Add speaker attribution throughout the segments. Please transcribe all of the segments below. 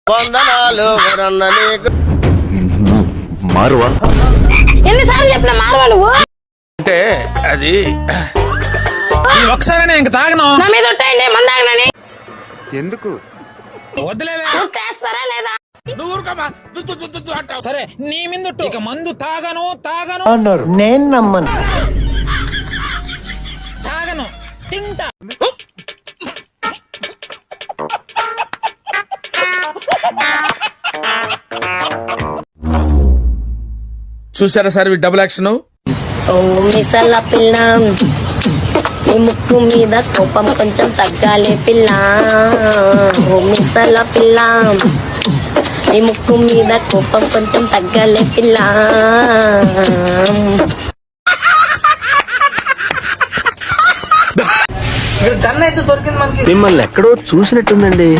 Speaker 1: మారువా
Speaker 2: ఎన్నిసార్లు చెప్పిన మారవా నువ్వు
Speaker 3: అంటే అది
Speaker 4: ఒకసారి ఇంక తాగను
Speaker 2: నా మీద ఉంటాయండి మందాగనని
Speaker 4: ఎందుకు వద్దులేవే
Speaker 2: చేస్తారా లేదా
Speaker 3: నువ్వు ఊరుకోమా. దు, దు, దు, దు, దు అంటావు.
Speaker 4: సరే నీ మిందుట్టు ఇక మందు తాగను
Speaker 1: అన్నారు. నేను నమ్మను.
Speaker 4: తాగను తింటా
Speaker 3: చూసారా సార్ డబుల్ యాక్షన్.
Speaker 2: ఓ మిసల పిల్ల నీ ముక్కు మీద కోపం కొంచెం తగ్గాలి పిల్ల ఓ మిసల పిల్ల నీ ముక్కు మీద కోపం కొంచెం తగ్గాలి పిల్ల
Speaker 1: మిమ్మల్ని ఎక్కడో చూసినట్టుందండి.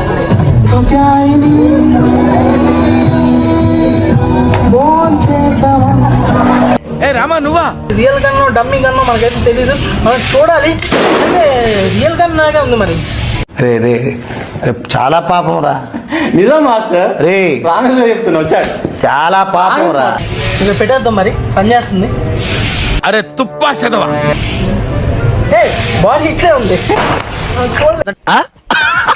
Speaker 3: ఏ రామా నువ్వా?
Speaker 5: రియల్ గన్ను డమ్మీ గన్ను మనకైతే తెలీదు, మనం చూడాలి. అంటే రియల్ గన్ లాగా ఉంది మరి.
Speaker 1: రే రే చాలా పాపం రా.
Speaker 6: నిజం మాస్టర్
Speaker 1: రే
Speaker 6: రామేశ్వర చెప్తున్నా వచ్చాడు.
Speaker 1: చాలా పాపం రా.
Speaker 5: ఇక పెట్టేద్దాం మరి, పనిచేస్తుంది.
Speaker 3: అరే తుప్పా చదవా.
Speaker 5: బాడీ ఇక్కడే ఉంది.